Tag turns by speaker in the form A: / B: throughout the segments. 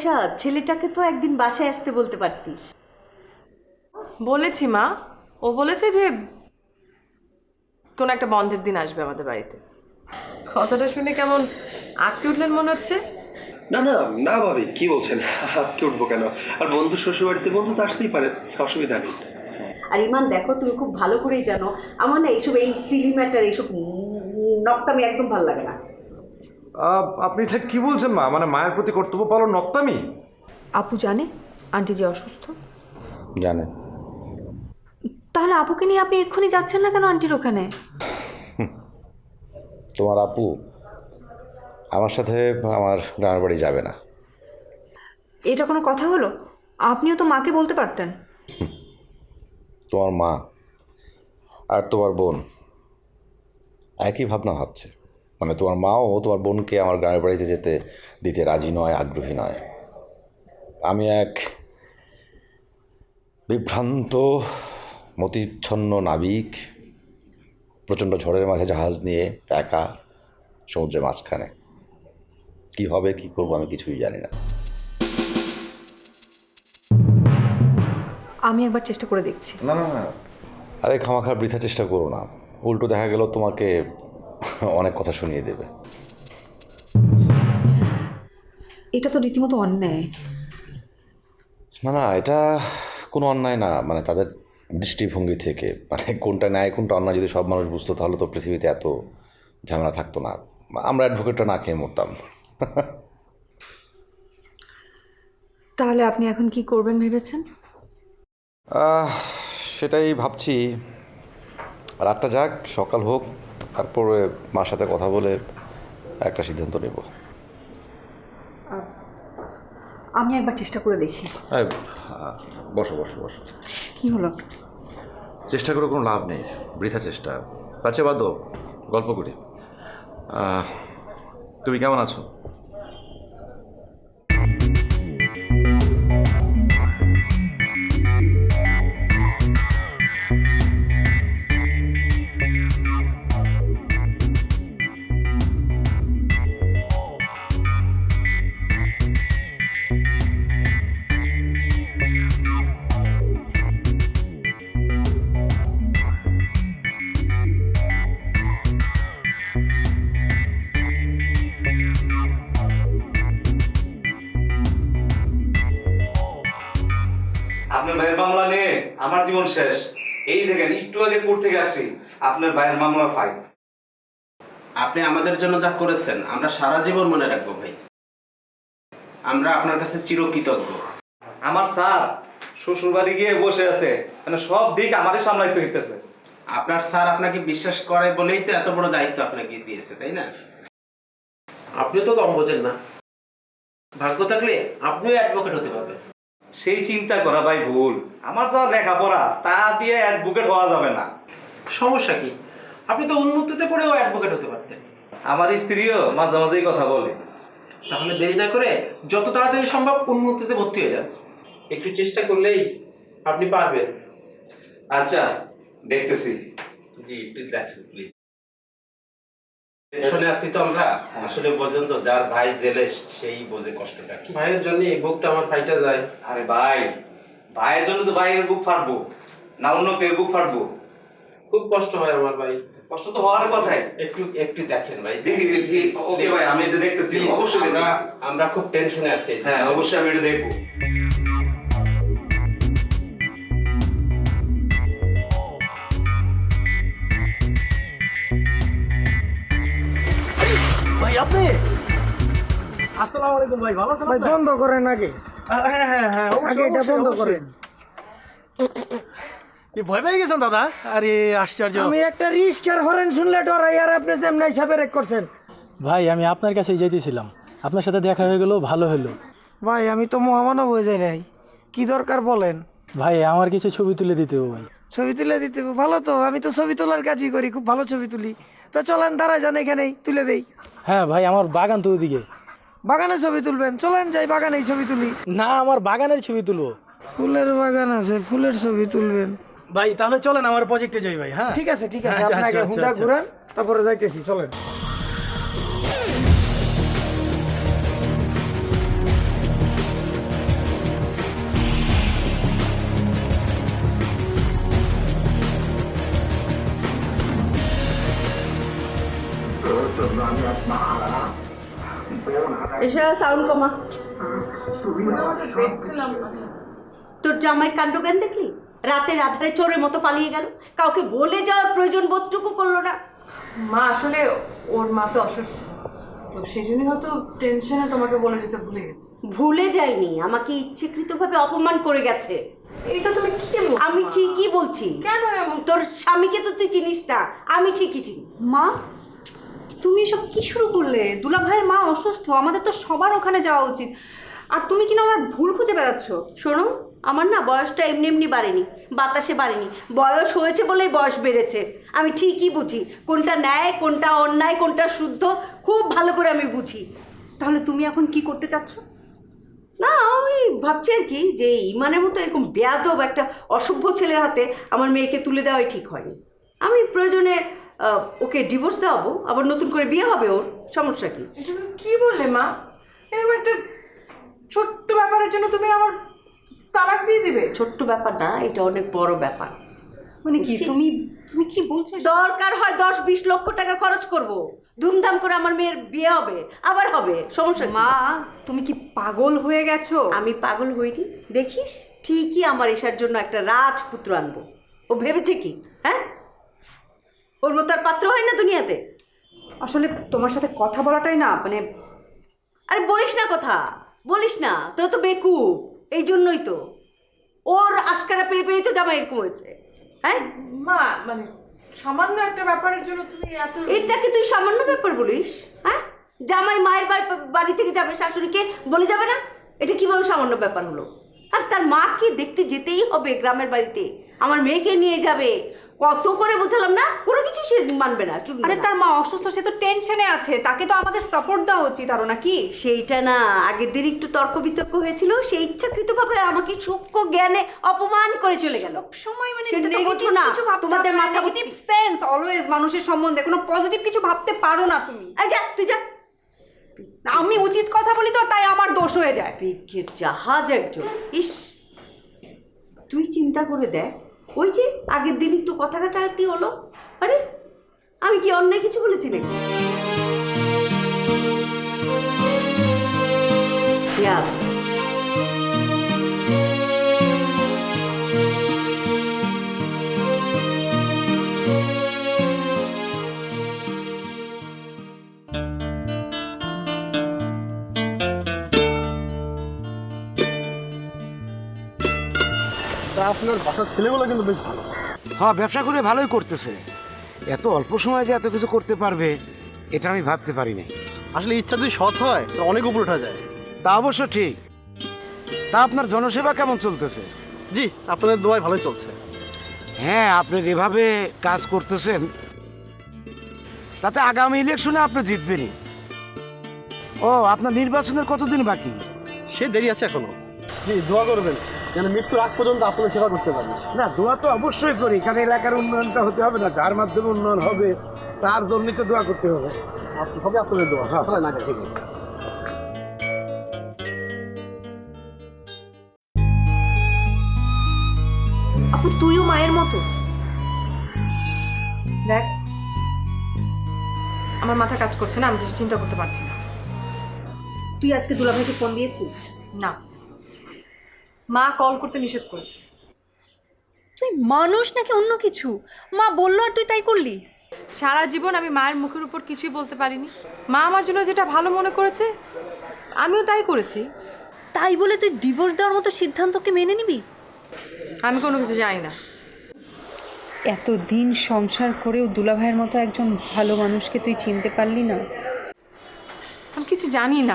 A: পয়সা, ছেলেটাকে তো একদিন বাসায় আসতে বলতে পারতিস।
B: বলেছি মা, ও বলেছে যে কোন একটা বন্ধের দিন আসবে আমাদের বাড়িতে। কথাটা শুনে কেমন আঁকতে উঠলেন মনে হচ্ছে।
C: না না না ভাবি, কি বলছেন? আজকে উঠবো কেন? আর বন্ধু শ্বশুর বাড়িতে বন্ধু তো আসতেই পারে, অসুবিধা নেই।
A: আর ইমান দেখো, তুমি খুব ভালো করেই জানো আমার না এইসব এই সিলি ম্যাটার, এইসব নক্তামি একদম ভালো লাগে না।
D: আপনি ঠিক কি বলছেন মা? মানে মায়ের প্রতি কর্তব্য পালন নক্তামি?
E: আপু জানে আন্টি যে অসুস্থ?
F: জানে।
E: তাহলে আপুকে নিয়ে আপনি এক্ষুনি যাচ্ছেন না কেন আন্টির ওখানে?
F: তোমার আপু আমার সাথে আমার গ্রামের বাড়ি যাবে না।
E: এটা কোনো কথা হলো? আপনিও তো মাকে বলতে পারতেন।
F: তোমার মা আর তোমার বোন একই ভাবনা ভাবছে। মানে তোমার মাও তোমার বোনকে আমার গ্রামের বাড়িতে যেতে দিতে রাজি নয়, আগ্রহী নয়। আমি এক বিভ্রান্ত মতিচ্ছন্ন নাবিক, প্রচণ্ড ঝড়ের মাঝে জাহাজ নিয়ে একা সমুদ্রের মাঝখানে। কি হবে, কি করবো আমি কিছুই জানি না।
E: আমি একবার চেষ্টা করে দেখছি।
F: না না না, আরে খামাখা বৃথা চেষ্টা করো না, উল্টো দেখা গেল তোমাকে অনেক কথা শুনিয়ে দেবে।
E: এটা তো রীতিমতো অন্যায়।
F: না না, এটা কোনো অন্যায় না। মানে তাদের দৃষ্টিভঙ্গি থেকে, মানে কোনটা ন্যায় কোনটা অন্যায় যদি সব মানুষ বুঝতো তাহলে তো পৃথিবীতে এত ঝামেলা থাকতো না। আমরা অ্যাডভোকেটটা না খেয়ে মরতাম।
E: তাহলে আপনি এখন কি করবেন ভেবেছেন?
F: সেটাই ভাবছি। রাতটা যাক, সকাল হোক, তারপরে মার সাথে কথা বলে একটা সিদ্ধান্ত নেব।
E: আমি একবার চেষ্টা করে দেখি।
F: বসো বসো বসো।
E: কি হলো?
F: চেষ্টা করে কোনো লাভ নেই, বৃথা চেষ্টা। আচ্ছা বাদ দাও, গল্প করি। তুমি কেমন আছো?
G: আপনার ভাইয়ের মামলা নিয়ে আমার জীবন শেষ। এই দেখেন, একটু আগে কোর্ট থেকে আসছি, আপনার ভাইয়ের মামলা ফাইল।
H: আপনি আমাদের জন্য যা করেছেন আমরা সারা জীবন মনে রাখবো ভাই। আমরা আপনার কাছে চিরকৃতজ্ঞ।
G: আমার স্যার শ্বশুর বাড়ি গিয়ে বসে আছে, মানে সব দিক আমারই সামলাইতে হইতেছে।
H: আপনার স্যার আপনাকে বিশ্বাস করে বলেই তো এত বড় দায়িত্ব আপনাকে দিয়েছে, তাই না? আপনিও তো কম বোঝেন না। ভাগ্য থাকলে আপনিও অ্যাডভোকেট হতে পারবেন।
G: সেই চিন্তা করা ভাই ভুল। আমার যা লেখাপড়া তা দিয়ে অ্যাডভোকেট হওয়া যাবে না।
H: সমস্যা কি? আপনি তো উন্মুক্ততে পড়েও অ্যাডভোকেট হতে পারতেন।
G: আমার স্ত্রীও মাঝে মাঝেই কথা বলে।
H: তাহলে দেরি না করে যত তাড়াতাড়ি সম্ভব উন্মুক্ততে ভর্তি হয়ে যান। একটু চেষ্টা করলেই আপনি পারবেন।
G: আচ্ছা, দেখতেছি।
H: জি, একটু দেখেন প্লিজ। টেনশনে আছি তো আমরা। আসলে বোঝেন তো, যার ভাই জেলে সেই বোঝে কষ্টটা। ভাইয়ের জন্য এই বুকটা আমার ফাইটা যায়।
G: আরে ভাই, ভাইয়ের জন্য তো ভাইয়ের বুক ফাটবো, না অন্য কেউ বুক ফাটবো?
H: খুব কষ্ট হয় আমার ভাই।
G: কষ্ট তো হওয়ার কথাই।
H: একটু একটু দেখেন ভাই।
G: দেখি ঠিক, ওকে ভাই, আমি এটা দেখতেছি, অবশ্যই দেখতেছি।
H: আমরা খুব টেনশনে আছি।
G: হ্যাঁ, অবশ্যই আমি এটা দেখবো।
I: ভাই আপনি? আসসালামু আলাইকুম ভাই, ভালো আছেন?
J: ভাই বন্ধ করেন আগে।
I: হ্যাঁ হ্যাঁ হ্যাঁ,
J: আগে এটা বন্ধ করেন।
I: ভয় পেয়ে গেছেন দাদা? আরে আশ্চর্য।
J: আমি একটা রিস্কার হরেন শুনলে ডরাই, আর আপনি যেমন হিসাবে রেক করছেন।
I: ভাই আমি আপনার কাছেই যেতেছিলাম, আপনার সাথে দেখা হয়ে গেল, ভালো হলো।
J: ভাই আমি তো মহামানব হয়ে যাই নাই, কি দরকার বলেন?
I: ভাই আমার কিছু ছবি তুলে দিতে হবে ভাই।
J: ছবি তুলে দিতে হবে? ভালো তো, আমি তো ছবি তোলার কাজই করি, খুব ভালো ছবি তুলি। তো চলেন দাঁড়া যান, এখানেই তুলে দেই।
I: হ্যাঁ ভাই, আমার বাগান তো ওদিকে।
J: বাগানে ছবি তুলবেন? চলেন যাই বাগানেই ছবি তুলি।
I: না, আমার বাগানের ছবি তুলবো।
J: ফুলের বাগান আছে, ফুলের ছবি তুলবেন?
I: ভাই তাহলে চলেন আমার প্রজেক্টে যাই ভাই। হ্যাঁ
J: ঠিক আছে ঠিক আছে,
I: আচ্ছা,
J: আপনাকে
I: আচ্ছা,
J: হুন্ডা
I: আচ্ছা।
J: ঘুরান, তারপরে যাইতেছি, চলেন।
A: এসা সাউন্ড কমা।
B: দেখছিলাম।
A: তোর জামাইয়ের কাণ্ডজ্ঞান দেখলি? রাতের আধারে চোরের মতো পালিয়ে গেল, কাউকে বলে যাওয়ার প্রয়োজন বোধটুকু করলো না।
B: মা আসলে ওর মা তো অসুস্থ, তো সেই জন্যই হয়তো টেনশনে তোমাকে বলে যেতে ভুলে গেছে।
A: ভুলে যায়নি, আমাকে ইচ্ছেকৃতভাবে অপমান করে গেছে।
B: এটা তুমি কি বলছো?
A: আমি ঠিকই বলছি।
B: কেন এমন?
A: তোর স্বামীকে তো তুই চিনিস না, আমি ঠিকই চিনি।
E: মা, তুমি এসব কি শুরু করলে? দুলা ভাইয়ের মা অসুস্থ, আমাদের তো সবার ওখানে যাওয়া উচিত। আর তুমি কিনা আমার ভুল খুঁজে বেড়াচ্ছ।
A: শোনো, আমার না বয়সটা এমনি এমনি বাড়েনি, বাতাসে বাড়েনি, বয়স হয়েছে বলেই বয়স বেড়েছে। আমি ঠিকই বুঝি কোনটা ন্যায়, কোনটা অন্যায়, কোনটা শুদ্ধ, খুব ভালো করে আমি বুঝি।
E: তাহলে তুমি এখন কি করতে চাচ্ছ?
A: না, আমি ভাবছি আর কি যে ইমানের মতো এরকম বেয়াদব একটা অসভ্য ছেলের হাতে আমার মেয়েকে তুলে দেওয়াই ঠিক হয়নি। আমি প্রয়োজনে ওকে ডিভোর্স দেওয়াবো, আবার নতুন করে বিয়ে হবে, ওর সমস্যা কি?
B: এটা তুমি কি বললে মা? এরকম একটা ছোট্ট ব্যাপারের জন্য তুমি আমার তালাক দিয়ে দিবে?
A: ছোট্ট ব্যাপার না, এটা অনেক বড় ব্যাপার।
E: মানে কি তুমি তুমি কি বলছো?
A: দরকার হয় 10-20 লক্ষ টাকা খরচ করব, ধুমধাম করে আমার মেয়ের বিয়ে হবে, আবার হবে, সমস্যা কি?
E: মা, তুমি কি পাগল হয়ে গেছো?
A: আমি পাগল হইনি, দেখিস ঠিকই আমার এসার জন্য একটা রাজপুত্র আনবো। ও ভেবেছে কি, হ্যাঁ? ওর মতো আর পাত্র হয় না দুনিয়াতে।
E: আসলে তোমার সাথে কথা বলাটাই না, মানে
A: আরে বলিস না কথা, বলিস না, তো তো বেকুব, এই জন্যই তো ওর আশকারা পেয়ে পেয়ে তো জামা এরকম হয়েছে। হ্যাঁ
B: মা, মানে সামান্য একটা ব্যাপারের জন্য তুমি এত...
A: এটাকে তুই সামান্য ব্যাপার বলিস? হ্যাঁ, জামাই মায়ের বাড়ি থেকে যাবে, শাশুড়িকে বলে যাবে না? এটা কিভাবে সামান্য ব্যাপার হলো? আর তার মাকে দেখতে যেতেই হবে গ্রামের বাড়িতে, আমার মেয়েকে নিয়ে যাবে। কত করে বোঝালাম না, কোনো কিছু সে মানবে না।
E: আরে তার মা অসুস্থ, সে তো টেনশনে আছে, তাকে তো আমাদের সাপোর্ট দেওয়া উচিত আরো, নাকি?
A: সেইটা না, আগের দিন একটু তর্ক বিতর্ক হয়েছিল, সে ইচ্ছাকৃতভাবে আমাকে সূক্ষ্ম জ্ঞানে অপমান করে চলে গেল।
E: সময় মানে
A: সেটা তো
E: নেগেটিভ
A: বোঝো না,
E: কিছু ভাবতে
A: তোমাদের
E: হবে না,
A: মাথা
E: নেগেটিভ সেন্স অলওয়েজ মানুষের সম্বন্ধে কোনো পজিটিভ কিছু ভাবতে পারো না তুমি।
A: এই যা, তুই যা।
E: আমি উচিত কথা বলি তো, তাই আমার দোষ হয়ে যায়।
A: বিজ্ঞের জাহাজ একজন। ইস, তুই চিন্তা করে দেখ, ওই যে আগের দিন একটু কথা কাটাকাটি হলো, আরে আমি কি অন্যায় কিছু বলেছি নাকি?
I: আপনার বাসার ছেলেগুলো কিন্তু বেশ ভালো।
J: হ্যাঁ, ব্যবসা করে ভালোই করতেছে। এত অল্প সময়ে যে এত কিছু করতে পারবে এটা আমি ভাবতে পারি নাই।
I: আসলে ইচ্ছা যদি সৎ হয় তো অনেক উপর ওঠা যায়।
J: তা অবশ্য ঠিক। তা আপনার জনসেবা কেমন চলতেছে?
I: জি, আপনাদের দোয়ায় ভালোই চলছে।
J: হ্যাঁ, আপনি যেভাবে কাজ করতেছেন তাতে আগামী ইলেকশনে আপনি জিতবেনই। ও, আপনার নির্বাচনের কতদিন বাকি?
I: সে দেরি আছে এখনো। জি, দোয়া করবেন যেন মৃত্যুর আগ পর্যন্ত আপনাদের সেবা করতে পারি।
J: না, দোয়া তো অবশ্যই করি, কারণ এলাকার উন্নয়নটা হতে হবে না, যার মাধ্যমে উন্নয়ন হবে তার জন্যই তো দোয়া করতে হবে।
I: সবই আপনাদের দোয়া।
J: হ্যাঁ,
I: না, ঠিক আছে।
E: আপু, তুইও মায়ের মতো।
B: দেখ, আমার মাথা কাজ করছে না, আমি কিছু চিন্তা করতে পারছি না।
E: তুই আজকে দুলা ভাইকে ফোন দিয়েছিস?
B: না, মা কল করতে নিষেধ করেছে।
E: তুই মানুষ নাকি অন্য কিছু? মা বললো আর তুই তাই করলি?
B: সারা জীবন আমি মায়ের মুখের উপর কিছুই বলতে পারিনি। মা আমার জন্য যেটা ভালো মনে করেছে আমিও তাই করেছি।
E: তাই বলে তুই ডিভোর্স দেওয়ার মতো সিদ্ধান্তকে মেনে নিবি?
B: আমি কোনো কিছু জানি না।
E: এতদিন সংসার করেও দুলা ভাইয়ের মতো একজন ভালো মানুষকে তুই চিনতে পারলি না?
B: আমি কিছু জানি না।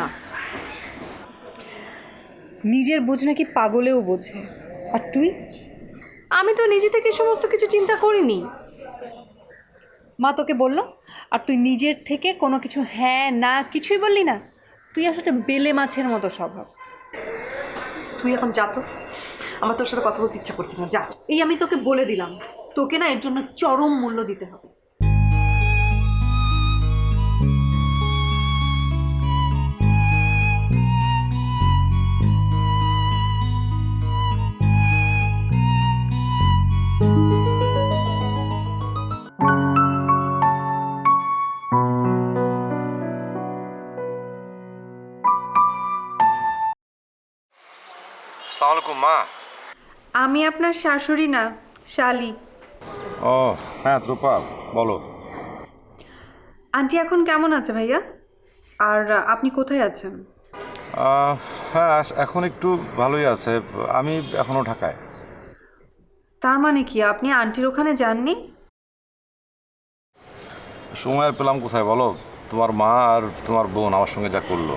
E: নিজের বোঝ নাকি পাগলেও বোঝে, আর তুই?
B: আমি তো নিজে থেকে সমস্ত কিছু চিন্তা করিনি।
E: মা তোকে বললো আর তুই নিজের থেকে কোনো কিছু হ্যাঁ না কিছুই বললি না? তুই আসলে বেলে মাছের মতো স্বভাব।
B: তুই এখন যা তো, আমার তোর সাথে কথা বলতে ইচ্ছা করছে না, যা।
E: এই আমি তোকে বলে দিলাম, তোকে না এর জন্য চরম মূল্য দিতে হবে। আমি আপনার শাশুড়ি না, শালি।
D: ও হ্যাঁ রূপা, বলো।
E: আন্টি এখন কেমন আছে ভাইয়া? আর আপনি কোথায় আছেন?
D: হ্যাঁ এখন একটু ভালোই আছে, আমি এখনো ঢাকায়।
E: তার মানে কি আপনি আন্টির ওখানে যাননি?
D: সময় আর পেলাম কোথায় বলো, তোমার মা আর তোমার বোন আমার সঙ্গে যা করলো।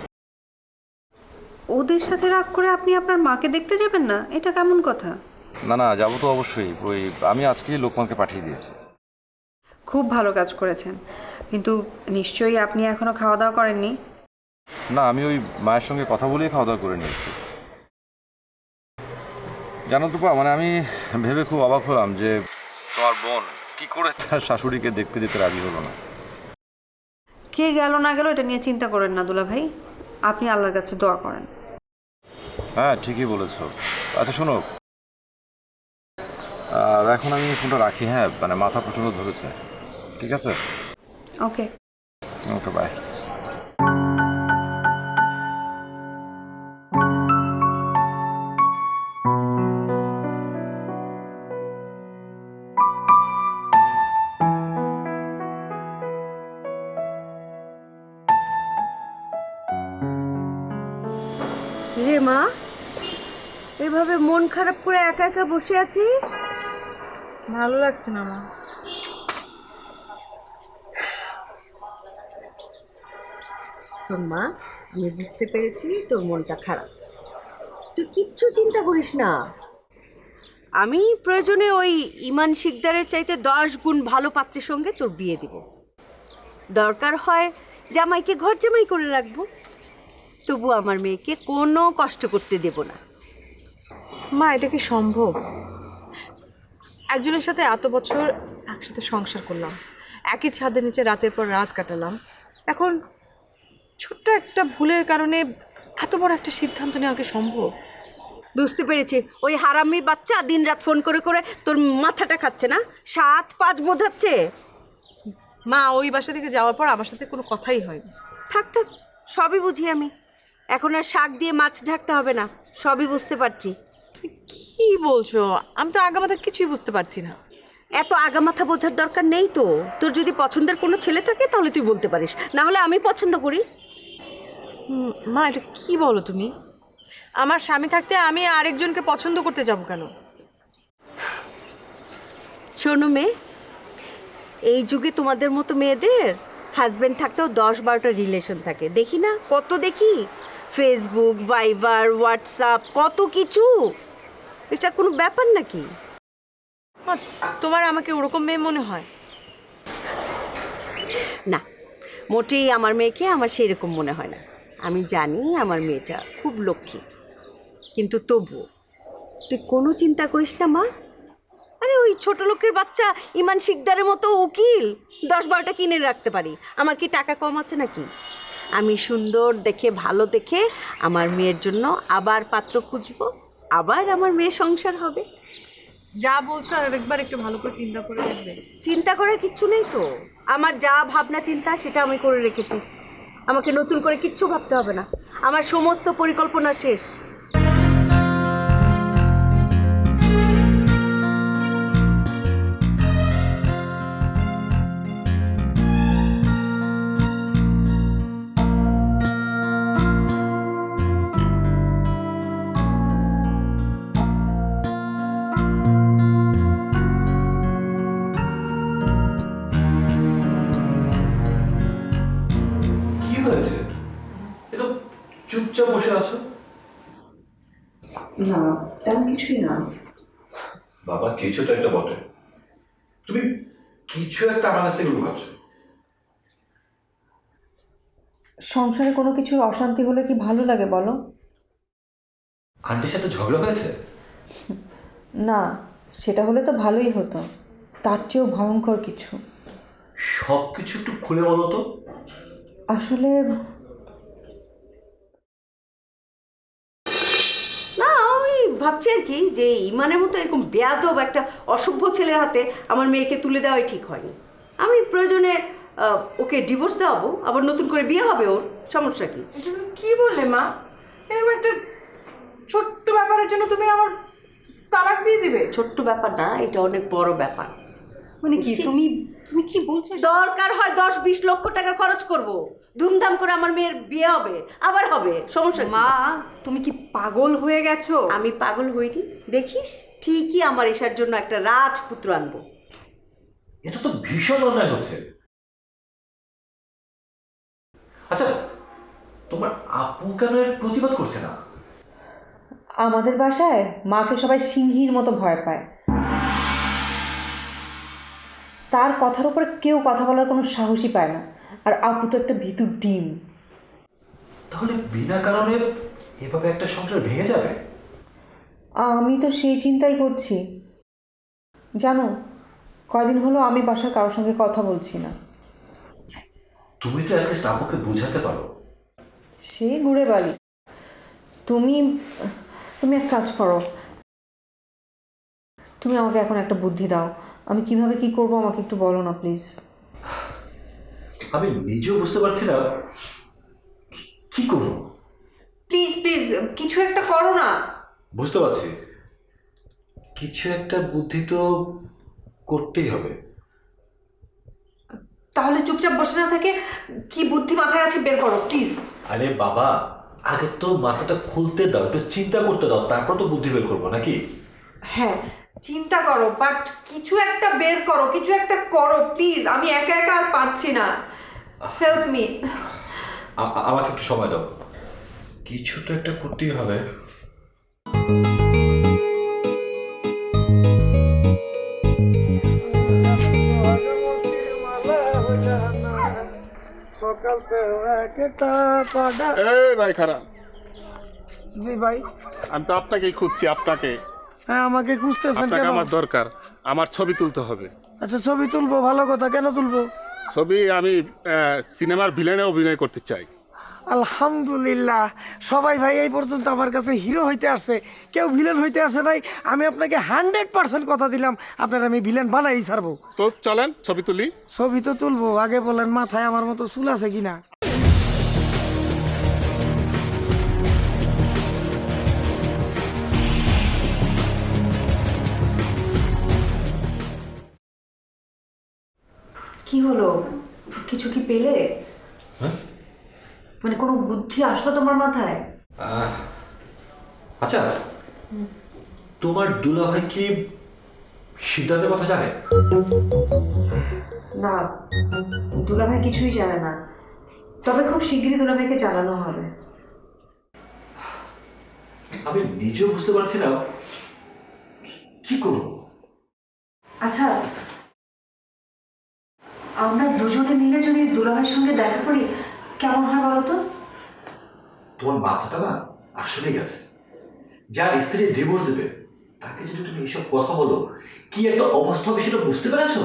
E: ওদের সাথে রাগ করে আপনি আপনার মাকে দেখতে যাবেন না? এটা কেমন কথা?
D: না না, যাবো তো অবশ্যই। ওই আমি আজকেই লোকমানকে পাঠিয়ে দিয়েছি।
E: খুব ভালো কাজ করেছেন, কিন্তু নিশ্চয়ই আপনি এখনো খাওয়া দাওয়া করেননি।
D: না, আমি ওই মায়ের সঙ্গে কথা বলেই খাওয়া দাওয়া করে নিয়েছি। জানো তো মানে আমি ভেবে খুব অবাক হলাম যে তোমার বোন কি করে তার শাশুড়িকে দেখতে যেতে রাজি হলো না।
E: কে গেল না গেল এটা নিয়ে চিন্তা করেন না দুলা ভাই, আপনি আল্লাহর কাছে দোয়া করেন।
D: হ্যাঁ ঠিকই বলেছো। আচ্ছা শোনো, এখন আমি ফোনটা রাখি। হ্যাঁ মানে মাথা প্রচণ্ড ধরেছে। ঠিক আছে,
E: ওকে।
D: Okay bye.
A: রে মা, এভাবে মন খারাপ করে একা একা বসে আছিস?
B: ভালো লাগছে না মা।
A: শোন মা, আমি বুঝতে পেরেছি তোর মনটা খারাপ। তুই কিচ্ছু চিন্তা করিস না। আমি প্রয়োজনে ওই ইমান শিকদারের চাইতে 10 গুণ ভালো পাত্রের সঙ্গে তোর বিয়ে দিব। দরকার হয় জামাইকে ঘর জামাই করে রাখবো, তবু আমার মেয়েকে কোনো কষ্ট করতে দেব না।
B: মা এটা কি সম্ভব? একজনের সাথে এত বছর একসাথে সংসার করলাম, একই ছাদের নিচে রাতের পর রাত কাটালাম, এখন ছোট্ট একটা ভুলের কারণে এত বড় একটা সিদ্ধান্ত নেওয়া কি সম্ভব?
A: বুঝতে পেরেছি, ওই হারামির বাচ্চা দিনরাত ফোন করে করে তোর মাথাটা খাচ্ছে না, 7-5 বোঝাচ্ছে।
B: মা ওই বাসা থেকে যাওয়ার পর আমার সাথে কোনো কথাই হয়নি।
A: থাক থাক, সবই বুঝি আমি। এখন আর শাক দিয়ে মাছ ঢাকতে হবে না, সবই বুঝতে পারছি।
B: তুমি কি বলছো? আমি তো আগামাথা কিছুই বুঝতে পারছি না।
A: এত আগামাথা বোঝার দরকার নেই তো। তোর যদি পছন্দের কোনো ছেলে থাকে তাহলে তুই বলতে পারিস, না হলে আমি পছন্দ করি।
B: মা এটা কি বলো তুমি? আমার স্বামী থাকতে আমি আরেকজনকে পছন্দ করতে যাব কেন?
A: শোনো মেয়ে, এই যুগে তোমাদের মতো মেয়েদের হাজব্যান্ড থাকতেও 10-12টা রিলেশন থাকে। দেখি না, কত দেখি, ফেসবুক, ভাইবার, হোয়াটসঅ্যাপ, কত কিছু। এটা কোনো ব্যাপার নাকি?
B: মা তোমার আমাকে ওরকম মেয়ে মনে হয়
A: না, মোটেই আমার মেয়েকে আমার সেরকম মনে হয় না। আমি জানি আমার মেয়েটা খুব লক্ষ্মী, কিন্তু তবুও তুই কোনো চিন্তা করিস না মা। আরে ওই ছোট লোকের বাচ্চা ইমান শিকদারের মতো উকিল 10-12টা কিনে রাখতে পারি। আমার কি টাকা কম আছে নাকি? আমি সুন্দর দেখে, ভালো দেখে আমার মেয়ের জন্য আবার পাত্র খুঁজবো, আবার আমার মেয়ে সংসার হবে।
B: যা বলছো আরেকবার একটু ভালো করে চিন্তা করে দেখবে।
A: চিন্তা করার কিচ্ছু নেই তো, আমার যা ভাবনা চিন্তা সেটা আমি করে রেখেছি। আমাকে নতুন করে কিচ্ছু ভাবতে হবে না, আমার সমস্ত পরিকল্পনা শেষ।
C: কি হয়েছে? এটা চুপচাপ বসে আছো।
A: না, তেমন কিছুই না।
C: বাবা কিছুটা একটা বটে, তুমি কিছু একটা আমার কাছ থেকে লুকাচ্ছ।
E: সংসারে কোনো কিছুর অশান্তি হলে কি ভালো লাগে বলো?
C: আন্টির সাথে ঝগড়া হয়েছে?
E: না, সেটা হলে তো ভালোই হতো, তার চেয়েও ভয়ঙ্কর কিছু।
C: সব কিছু একটু খুলে বলো তো।
E: আসলে
A: না, আমি ভাবছি আর কি যে ইমানের মতো এরকম বেয়াদব একটা অসভ্য ছেলের হাতে আমার মেয়েকে তুলে দেওয়াই ঠিক হয়নি। আমি প্রয়োজনে ওকে ডিভোর্স দেওয়াবো, আবার নতুন করে বিয়ে হবে, ওর সমস্যা কি?
B: কি বললে মা? এরকম একটা ছোট্ট ব্যাপারের জন্য তুমি আমার তালাক দিয়ে দিবে।
A: ছোট্ট ব্যাপার না, এটা অনেক বড় ব্যাপার।
E: মানে কি তুমি তুমি কি বলছো?
A: দরকার হয় 10-20 লক্ষ টাকা খরচ করব, ধুমধাম করে আমার মেয়ের বিয়ে হবে, আবার হবে, সমস্যা কি?
E: মা তুমি কি পাগল হয়ে গেছো?
A: আমি পাগল হইনি, দেখিস ঠিকই আমার এসার জন্য একটা রাজপুত্র আনবো।
F: এটা তো ভীষণ অন্যায় হচ্ছে। আচ্ছা, তোমার আপু কেন এর প্রতিবাদ করছে না?
E: আমাদের বাসায় মাকে সবাই সিংহীর মতো ভয় পায়, তার কথার উপরে কেউ কথা বলার কোনো সাহসই পায় না। আর আপু তো একটা ভিতুর ডিম।
F: তাহলে বিনা কারণে এভাবে একটা সংসার ভেঙে যাবে?
E: আমি তো সেই চিন্তাই করছি। জানো, কয়দিন হলো আমি বাসার কারোর সঙ্গে কথা বলছি না।
F: তুমি তো অ্যাটলিস্ট আপুকে বোঝাতে পারো।
E: সে ঘুরে বালি। তুমি তুমি এক কাজ করো, তুমি আমাকে এখন একটা বুদ্ধি দাও। আমি কিভাবে কি করব আমাকে একটু বলো না প্লিজ।
F: আমি নিজেও বুঝতে পারছি না কি করব।
E: প্লিজ প্লিজ কিছু একটা করো না।
F: বুঝতে পারছি, কিছু একটা বুদ্ধি তো করতেই হবে।
E: তাহলে চুপচাপ বসে না থেকে কি বুদ্ধি মাথায় আছে বের করো প্লিজ।
F: আরে বাবা, আগে তো মাথাটা খুলতে দাও, একটু চিন্তা করতে দাও, তারপর তো বুদ্ধি বের করবো নাকি?
E: হ্যাঁ চিন্তা করো, বাট কিছু একটা বের করো, কিছু একটা করো প্লিজ। আমি একা একা আর পারছি না, হেল্প মি।
F: আমাকে একটু সময় দাও, কিছু তো একটা করতেই হবে।
I: এই ভাই খারাপ।
J: জি ভাই।
I: আমি তো আপনাকেই খুঁজছি, আপনাকে।
J: হ্যাঁ, আমাকে খুঁজতেছেন
I: আপনাকে
J: কেন?
I: আমার দরকার, আমার ছবি তুলতে হবে।
J: আচ্ছা, ছবি তুলবো, ভালো কথা। কেন তুলবো?
I: ছবি আমি সিনেমার ভিলেনে অভিনয় করতে চাই।
J: আলহামদুলিল্লাহ, সবাই ভাই এই পর্যন্ত আমার কাছে হিরো হইতে আসছে, কেউ ভিলেন হইতে আসে নাই। আমি আপনাকে 100% কথা দিলাম, আপনার আমি ভিলেন বানাই ছাড়বো।
I: তো চলেন ছবি তুলি।
J: ছবি তো তুলবো, আগে বলেন মাথায় আমার মতো চুল আছে কিনা?
E: কি হলো, কিছু কি পেলে?
F: হ্যাঁ?
E: মানে কোনো বুদ্ধি আসলো তোমার মাথায়?
F: আচ্ছা, তোমার দুলাভাই কি সিদ্ধান্তের কথা জানে?
E: না, দুলাভাই কিছুই জানে না, তবে খুব শিগগিরই দুলাভাইকে জানানো হবে।
F: আমি নিজেও বুঝতে পারছি না কি করব।
E: আচ্ছা, আমরা দুজনে মিলে যদি দুলাভাইয়ের সঙ্গে দেখা করি কেমন হয় বলো তো?
F: তোমার মাথাটা না আসলেই গেছে। যার স্ত্রী ডিভোর্স দেবে তাকে যদি তুমি এইসব কথা বলো, কি একটা অবস্থা হবে সেটা বুঝতে পেরেছো?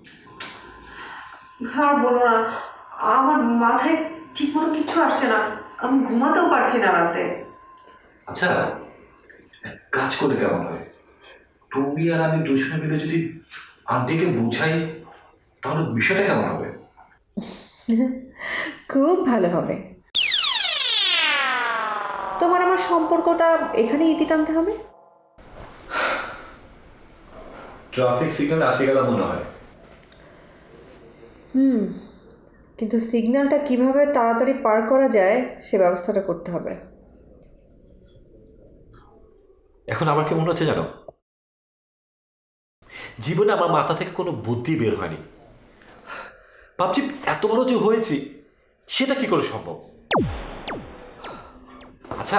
E: আর বলো না, আমার মাথায় ঠিক মতো কিচ্ছু আসছে না, আমি ঘুমাতেও পারছি না রাতে।
F: আচ্ছা, এক কাজ করে কেমন হয়, তুমি আর আমি দুজনে মিলে যদি আন্টিকে বুঝাই তাহলে বিষয়টা কেমন হবে?
E: খুব ভালো হবে। তোমার আমার সম্পর্কটা এখানে ইতি টানতে হবে।
F: ট্রাফিক সিগন্যাল আটকে গেল মনে হয়।
E: কিন্তু সিগন্যালটা কিভাবে তাড়াতাড়ি পার করা যায় সে ব্যবস্থাটা করতে হবে।
F: এখন আমার কি মনে হচ্ছে জানো, জীবনে আমার মাথা থেকে কোনো বুদ্ধি বের হয়নি। ভাবছি এত বড় যে হয়েছি সেটা কি করে সম্ভব। আচ্ছা,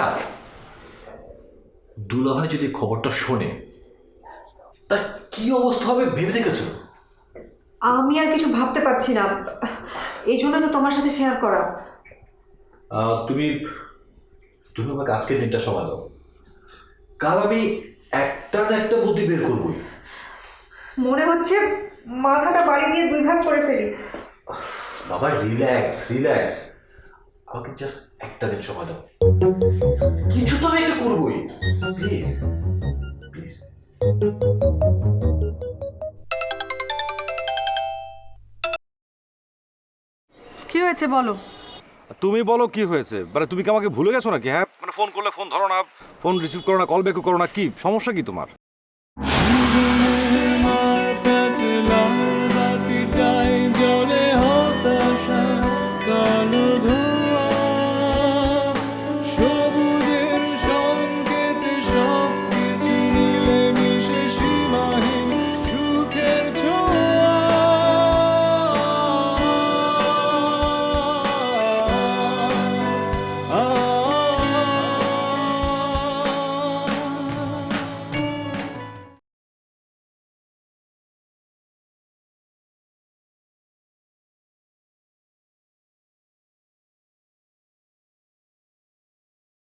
F: দুলাভাই যদি খবরটা শোনে তার কি অবস্থা হবে ভেবে দেখেছো?
E: আমি আর কিছু ভাবতে পারছি না, এই জন্য তো তোমার সাথে শেয়ার করা।
F: তুমি আমাকে আজকের দিনটা সময় দাও, কাল আমি একটা না একটা বুদ্ধি বের করবই।
E: মনে হচ্ছে মাথাটা বাড়ি দিয়ে দুই ভাগ করে ফেলি।
F: বাবা রিল্যাক্স রিল্যাক্স, আমাকে জাস্ট একটা দিন সময় দাও, কিছু তো আমি একটা করবোই, প্লিজ প্লিজ।
B: কি হয়েছে বলো?
D: তুমি বলো কি হয়েছে? মানে তুমি কি আমাকে ভুলে গেছো নাকি? হ্যাঁ, মানে ফোন করলে ফোন ধরো না, ফোন রিসিভ করো না, কল ব্যাকও করো না, কি সমস্যা কি তোমার?
J: রে